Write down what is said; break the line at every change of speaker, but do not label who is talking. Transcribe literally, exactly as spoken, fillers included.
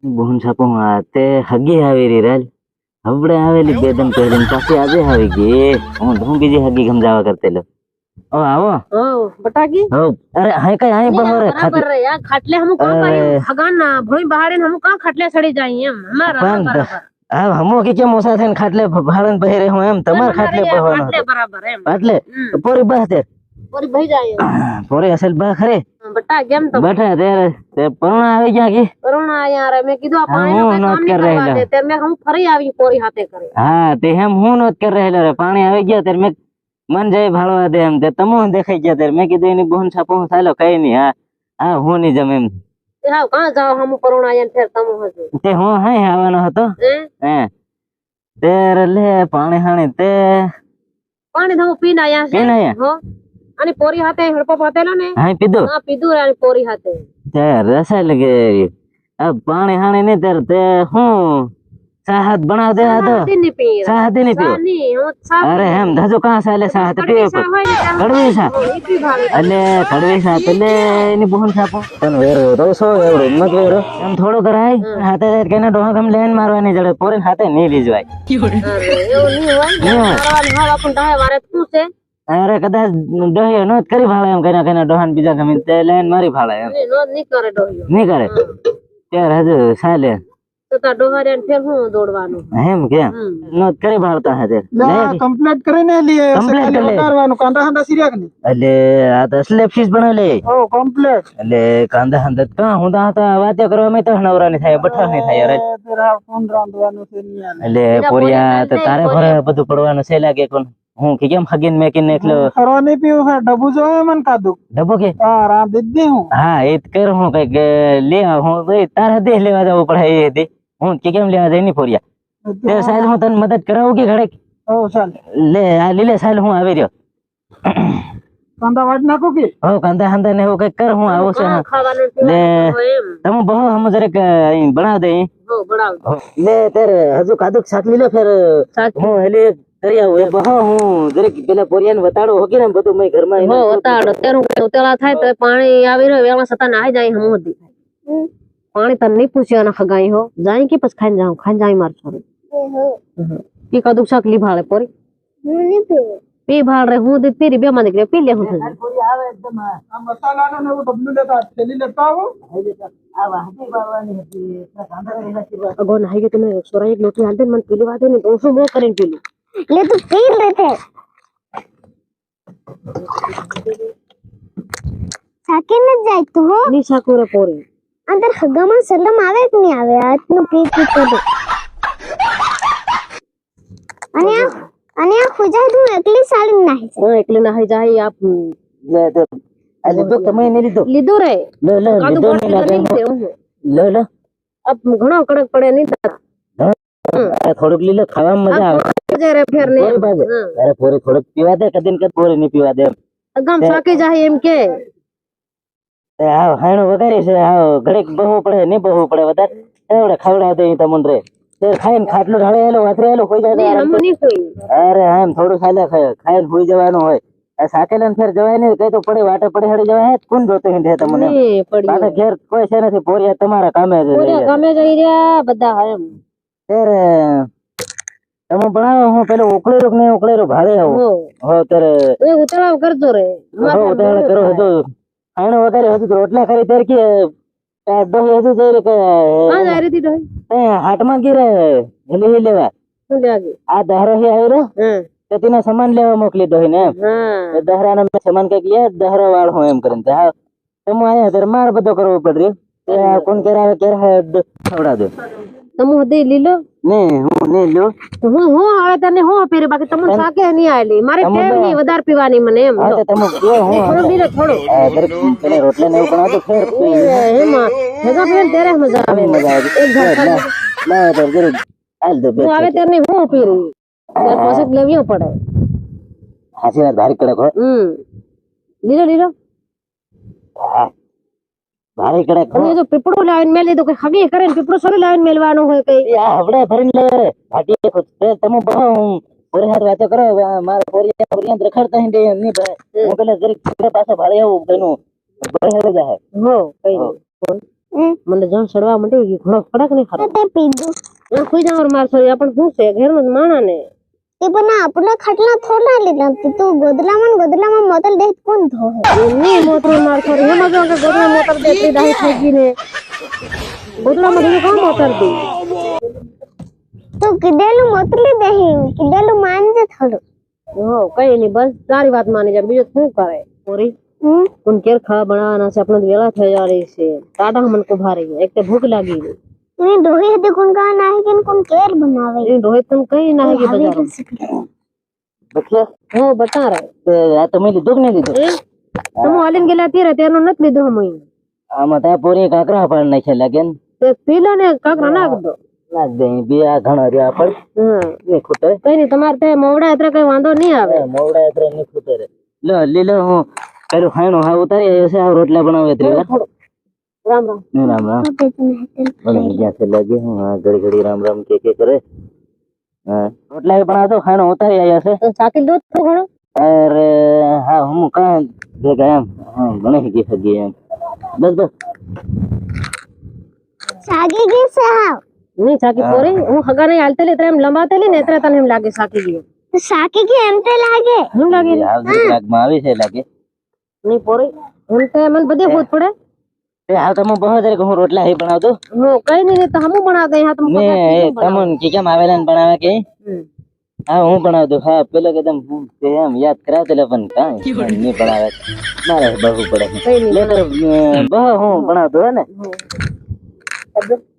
બોન છાપો તે હગી આવી રહી રાલ હવડે આવેલી બે દમ પહેરીને પાછી આજે આવી ગઈ હું હું બીજી હગી સમજાવવા કરતેલો ઓ આવો
ઓ બટાકી
હો અરે હાય કઈ આય બહોરે
બરાબર રે યાર ખાટલે હમ કા પાઈ હગાન ભોઈ બહારે હમ કા ખાટલે સડી જાય એમ અમારા બરાબર
હા હમો કે કે મોસા થઈને ખાટલે ભાળન પહેરે હું એમ તમાર ખાટલે બહવાનો
ખાટલે બરાબર એમ
એટલે પોરી બહતે
પોરી ભઈ જાય
પોરી અસલ બા ખરે
બટા કેમ તો
બેઠા ત્યારે તે પરુણા આવી ગયા કે
પરુણા યાર મેં કીધું આ પાણી નો કામ નહીં કરવા દે તે મેં હું ફરી આવી પોરી હાથે કરે
હા તે એમ હું નોત કર રહેલો રે પાણી આવી ગયા ત્યારે મેં મન જાય ભાળવા દે એમ તે તમો દેખાઈ ગયા ત્યારે મેં કીધું એની બોન છાપો ચાલો કઈ નહીં હા હા હું ની જમ એમ
તે હા કાં જાવ હમ પરુણા આયા ફેર તમો હજુ
તે હું હે આવવાનો હતો હે તેર લે પાણી હાણી તે
પાણી ધો પીને આયા છે
પીને આયા
હો અને પોરી હાથે હડપો પાતેલો ને
હા પીધું
હા પીધું અને પોરી હાથે
તે રસા લગે આ પાણી હાણી ને તેર તે હું સાહત બના દે આ તો સાહત ની પીઓ અરે એમ ધજો કહાं સાલે સાહત પીઓ કડવી સા એટલે કડવી સા એટલે એની બોન છાપો તન વેરો રોસો એવડો મત વેરો એમ થોડો કરાય હાથે કેને ડોહા ગમ લેન મારવાની જડે પોરે હાથે નહીં લીજવાય
એવું નહીં હોય મારવાની હાલ આપણ ડાહે વારે તું છે
અરે કદાચ ડોહ્યો નો કરી ભાળે એમ કઈના કઈના ડોહાન બીજા ગમે તે લેન મારી ભાળે એમ
નો નહીં કરે ડોહ્યો
નહીં કરે ત્યારે હજુ સાલે
તો તા ડોહારે ફેર હું દોડવાનું
એમ કે નો કરી ભાળતા હે
ના કમ્પ્લીટ કરીને લીએ
કમ્પ્લીટ કરી
ઉતારવાનું કાંદા હંદા સિરિયા કે
એટલે આ તો સ્લેબ ફીસ બનાવે
ઓ કમ્પ્લીટ
એટલે કાંદા હંદા કા હુંદા હતા વાતે કરવા મે તો નવરાની થાય બઠા નહીં થાય યાર
તેરા કોણ રાંધવાનું છે નિયા
એટલે પોરિયા તો તારે ભરે બધું પડવાનું છે લાગે કોણ હું કે કેમ હગીન મેકીને એકલો
કરવાની પીવું છે ડબુ જો મન કાદુ
ડબો કે
હા રાંધ દે હું
હા એ કર હું કઈક લે હું તારે દે લેવા જવું પડે એ દે હું કે કેમ લેવા જાય ની પોરિયા તે સાહેલ હું તને મદદ કરાવું કે ઘડે
ઓ ચાલ
લે આ લીલે સાહેલ હું આવી રહ્યો
કાંદા વાટ નાખો કે
હો કાંદા હંદા ને એવું કઈક કર હું આવું છે લે તમે બહુ હમ જરેક બનાવ દે
હો બનાવ
લે તેરે હજુ કાદુક શાક લીલે ફેર હું હેલી કરી આવું એ બહુ હું જરેક પેલા પોરિયાને વતાડો હોકી ને બધું મેં ઘરમાં
હો વતાડો તેરું ઉતેલા થાય તો પાણી આવી રહ્યો વેલા સતા નાઈ જાય હમ હતી પાણી તને નહીં પૂછ્યો ના ખગાઈ હો જાય કે પછી ખાઈને જાઉં ખાઈને જાય માર છોરી કે કાદુક શાક લી ભાળે પોરી પી ભાળ રે હું દી તેરી બે માં નીકળે પી લે હું
પોરી આવે એકદમ
આ મસાલાનો ને એવું ડબલું લેતા થેલી લેતા આવો
આ વાહતી બાળવાની હતી કાંદા રેલા કે
અગો નાઈ કે તમે સોરા એક લોટી હાલ દે મને પીલી વાદે ને તો શું મો કરીને પીલું
ले तो पी लेते साके न जाय तो हो
ની સાકુરે પોરી
अंदर हगामा सलम आवे कि नहीं आवे आतनु पी पी तो दे અને આ અને આ ખોજા તું એકલી સાલી નહીં
હા એટલે નાઈ જાય આપ
લે તો આ લીધો તમે નહીં લીધો
લીધો રે
લે લે
કાદુ
લીધો
પાણી
નહીં લાગે
નહીં
લે લે
અબ ઘણો કડક પડે નહીં
થોડુંક લીલે ખાવામાં મજા આવે
જરે ફેર ને
પોરી બાજે અરે પોરી થોડુંક પીવા દે કદીન કદ પોરી નહીં પીવા દે
અગામ સાકી જાય એમ કે
તે આવ હાણો વગારી છે આવ ઘડીક બહુ પડે નહીં બહુ પડે વધારે એવડે ખવડાવ દે તમન રે તે ખાઈને ખાટલો ઢાળે એલો વાથરે એલો હોઈ જાય
હમ નહીં કોઈ
અરે આમ થોડું ખાલે ખાઈને હોઈ જવાનું હોય આ સાકેલન ફેર જવાય નહીં કઈ તો પડે વાટે પડે હડી જવાય હે કોણ જોતો હે તમને
નહીં પડી
પાછા ઘેર કોઈ છે નથી પોરિયા તમારા કામે જ
પોરે ગમે જઈ રહ્યા બધા એમ
ત્યારે તમે ભણાવો હું પેલો ઉકળેરો કે નહીં ઉકળેરો ભાડે આવું
હો
હો ત્યારે
એ ઉતરાવ કરતો રે
હો ઉતાવળ કરો હજુ આનો વગારે હજુ રોટલા કરી ત્યારે કે ડોહી હજુ જઈ કે
હા જાય રે તી
હાટમાં ગીરે હેલી લેવા
શું લાગે
આ દહરો હી આવ્યો
હા
તો તેના સામાન લેવા મોકલી દોહી ને એમ
હા
દહરાનો મેં સામાન કઈક લે દહરો વાળ હું એમ કરીને હા તમે આયા ત્યારે માર બધો કરવો પડે તે કોણ કરાવે ક્યારે ખવડા દો
તમો દે લીલો
ને હું ને લ્યો
હું હું આવે તને હું પીરે બાકી તમને સાકે નહીં આલી મારે ટેવ નહીં વધારે પીવાની મને એમ
હા તો તમે પીઓ હું
થોડો લીલો થોડો
આ દરેક પેલા રોટલા ને એવું બનાવતો ફેર પી
એમાં ભેગા પીને તેરે મજા આવે
મજા આવે એક ઘર ના તો જરીક હાલ દો
હું આવે ત્યારે હું પીરી ત્યાર પછી લેવીઓ પડે
હાસી વાત ભારી કડક હો
હમ લીલો લીલો
હા ભારી કડક
અને જો પીપળો લાવીને મેલી દો કે હગી કરે ને પીપળો સોરી લાવીને મેલવાનું હોય કઈ
આ હવડે ભરીને લે ભાટી ખુદ તમે બહુ પોરી હાથ વાતો કરો મારા પોરી પોરી રખડતા હે નહીં ભાઈ હું પેલા જરીક પાછો ભાડે આવું તેનું બહેરે જાય
હો કઈ મને જણ સડવા માંડી ગઈ ઘણો કડક નહીં ખરો
તે પીધું
હું કોઈ જાવ માર સોરી આપણ શું છે ઘરનો માણા ને
તે પણ આપણા ખાટલા થોડા લીધા તું ગોદલામાં ને ગોદલામાં મોતલ દે કોણ ધોહે
ની મોતર માર સોરી એમાં જો કે ગોદલા મોતર દેતી દાહી થઈ ગઈ ને ગોદલામાં ધીરે કામ મોતર દી
તું કીધેલું મોતલી દેહી કીધેલું માનજે થોડું
હો કઈ નહીં બસ તારી વાત માની જા બીજું શું કરે સોરી
હમ
કોણ કેર ખાવા બનાવવાના છે આપણે વેલા થઈ जा रही છે ટાટા મન કો ભારી એક તો ભૂખ લાગી ગઈ
એને ડોહી હતી કોણ કા નાહી કે કોણ કેર બનાવે
એ રોહિત तुम कहीं ना है कि बाजार
બચ્ચા
हो बता रहे
આ તમે લીધું કે નહીં લીધું
तुम ऑलिन गेला तीर तेनो नत लीधो हम
આમાં ત્યાં પોરી કાકરા પાડ નાખે લાગે ને
ते पीला ने काकरा नाख दो
નાખ દે બે આ ઘણા રહ્યા પડ
हां
ને ખૂટે
कई नहीं तुम्हारे ते मोवड़ा इतना कई वांधो नहीं आवे
મોવડા એત્ર ને ખૂટે રે લો લીલો હું પેલું ખાણો હા ઉતારી આવ્યો છે આ રોટલા બનાવે ત્રીવા
राम राम
ને રામ રામ બોલે જ્યાં से लगे હું આ ઘડી ઘડી રામ રામ કે કે કરે હા રોટલા બનાવતો ખાણો ઉતારી આવ્યો છે
तो साकिल दो तो घणो
અરે હા હું કાં ભેગા એમ હા બની ગઈ સગી એમ બસ બસ
સાગી ગઈ છે હાવ
नहीं साकी पोरे હું હગા નહીં હાલતે લે એમ લંબાતે લે ને એത്ര તને એમ લાગે સાકી ગયો
તો સાકી ગઈ એમ તે લાગે
એમ લાગે
આ લાગમાં આવી છે લાગે
नहीं पोरे हम ते मन बदे होत पड़े
એ હા તમે બહુ દરે હું રોટલા હી બનાવ દો
हो कई नहीं नहीं तो हम बना दे हां तुम
ને તમન કે કેમ આવેલા ને બનાવે કે હા હું બનાવ દઉં હા પેલો કદમ હું તે એમ યાદ કરાવ દે પણ કાંઈ નહીં બનાવે મારે બહુ પડે
કઈ નહીં
લેટર બહુ હું બનાવ દો ને
अब